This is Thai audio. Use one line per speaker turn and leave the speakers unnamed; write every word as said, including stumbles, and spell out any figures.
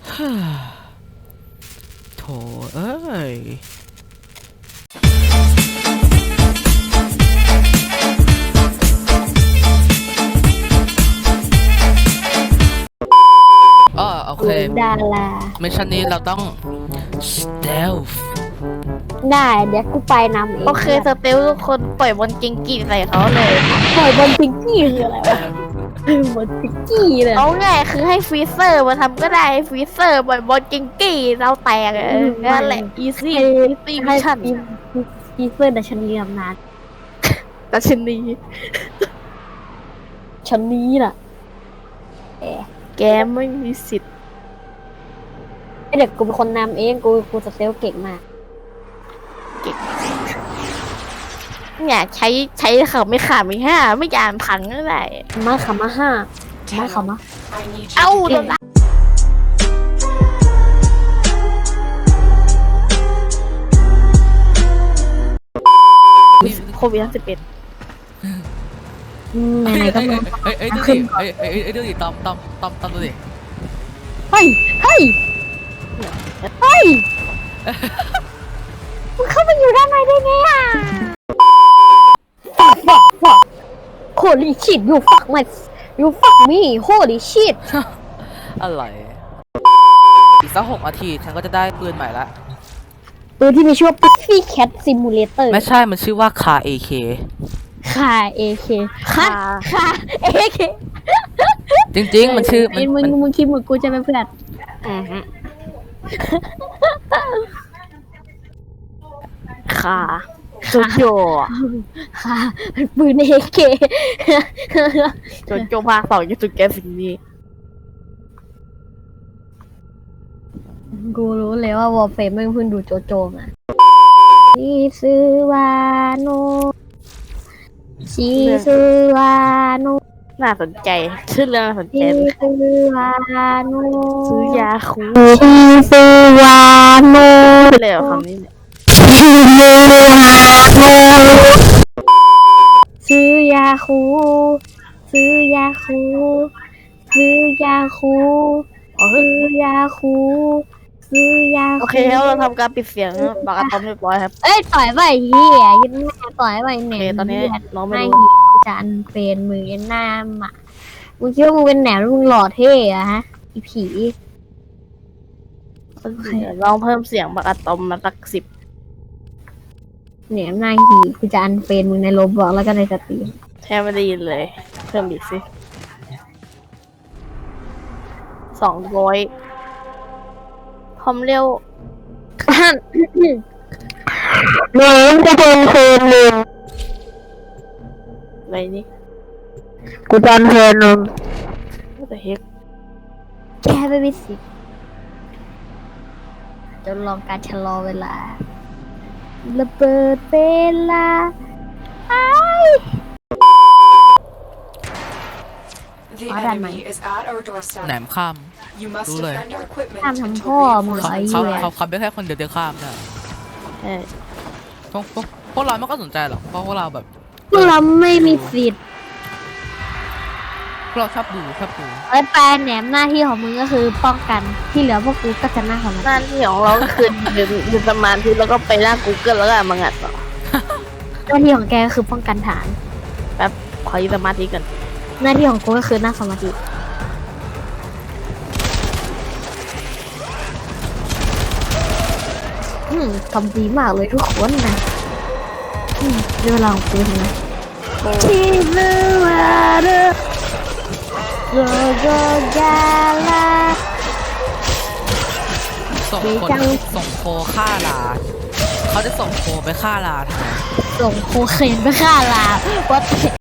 โถเอ้ยอ๋อโอเค
ดารา
มิชชั่นนี้เราต้อง stealth
ได้เดี๋ยวกูไปนำเอง
โอเคสเตลทุกคนปล่อยบอลเก่งกีใส่เขาเลย
ปล่อยบอลพิงกี้คืออะไรวะบอลพิงกี้เลย
เอาง่ายคือให้ฟรีเซอร์มาทำก็ได้ให้ฟรีเซอร์ปล่อยบอลเก่งกีเราแตกเออนั่นแหละ easy
ให้
easy
ให้
mission
ฟีเฟอร์แต่ฉันเรียมนาน
แต่ชนี
ฉันนี้ล่ะ
แกไม่มีสิทธิ์
ไอเด็กกูเป็นคนนำเองกูกูจะเซลเก่งมาก
เนี่ยใช้ใช้เขาไม่ขาดไม่ห้าไม่ยานพังก็ได้
มาขำมาห้ามาขำมา
เอ้าตัวละโควิดสิบเอ็ด
ไหนๆก็มา
เอ้ยเอ้ยดูดิเอ้ยเอ้ยเอ้ยดูดิตอมตอมตอมตอมดูดิ
เฮ้ยเฮ้ยเฮ้ยมึงเข้าไปอยู่ด้านในได้ไงอ่ะ fuck fuck fuck holy shit you fuck my you fuck me holy shit
อะไรอีกสักหกนาทีฉันก็จะได้ปืนใหม่ละ
ปืนที่มีชื่อว่า Pussy Cat Simulator
ไม่ใช่มันชื่อว่าคา เอ เค
ค่า เอ เค ค่าค่า เอ เค
จริงๆมันชื่อมัน
มึง
มัน
มึงคิดเหมือนกูจะเป็นเพื่อนอ่าฮะ
ค่ะโจโจ
ค่ะเป็นปืน เอ เค
โจโจภาคสองจะสุดแกสิ่งนี้
กูรู้เลยว่าวอลเฟมไม่เพิ่งดูโจโจมาชิซึวาโนชิซึวาโน
น่าสนใจชื่อเรื่องน่าสนใจ
ชิซึวาโน
ซื้อยาคู
ชิซึวาโน
ไปเลยเหรอคำนี้เนี่ย
ซื้อยาคูซื้อยาคูซื้อยาคู
อ๋อเฮ้ย
ซื้อยาคูซื้อยาคู
โอเคแล้วเราทำการปิดเสียงปากกาตอมเรียบร้อยครับ
เอ้ยต่อยไปเฮียยันแม่ต่อยไป
โอ
แหน
เค
ม
ตอนนี้น้องไม่
ไม่
รู้
หีจานเป็นมือหน้าหมามึงคิดว่ามึงเป็นแหนมแล้วมึงหล่อเท่อะฮะอีผี
เดี๋ยวลองเพิ่มเสียงปากกาตอมมาสักสิบ
แหนมหน้าหีกูจะอันเป็นมึงในโรบล็อกแล้วก็ในสตรีม
แทบไม่ได้ยินเลย เพิ่มอีกสิสองร้อยความเร็ว
หนูจะเป็นคนหนึ่ง
อะไรนี่
กูจำเพลงนึง
What the heck
แกไม่มีสิทธิ์จะลองการชะลอเวลาระเบิดเวลาไอ้
The
I don't
enemy is at our doorstep.
แหนมข้าม
You must
Đúng rồi.
defend our equipment
ทำ
until
ทำพ่อมึงเหรอ
เขา
ไอ้
เขา
เหี้ย
เขาเขาไม่แค่คนเดียวเดียวข้ามนะ
เออ
พวกพวกพวกเราไม่ก็สนใจหรอกเพราะพวกเราแบบ
พวกเราไม่มีสิทธิ์
พวกเราชอบดูชอบดู
ไอ้แปลแหนมหน้าที่ของมึงก็คือป้องกันที่เหลือพวกกูก็จะหน้าของมัน
หน้าที่ของเราก็คือยืนยืนสมาธิแล้วก็ไปหน้า Google แล้วก็มางัดต่อ
หน้าที่ของแกก็คือป้องกันฐาน
แป๊บขอยืนสมาธิกัน
หน้าที่ของกูก็คือหน้าสมาธิอืมทำดีมากเลยทุกคนนะอืมเรื่องราวของกูเห็นไหมที่เมื่อวานโกโกกาลา
ส่ง
ดี
คน
จัง
ส่งโคฆ่าลาเขาจะส่งโคไปฆ่าลาทำไม
ส่งโคเคนไปฆ่าลาว่าแต่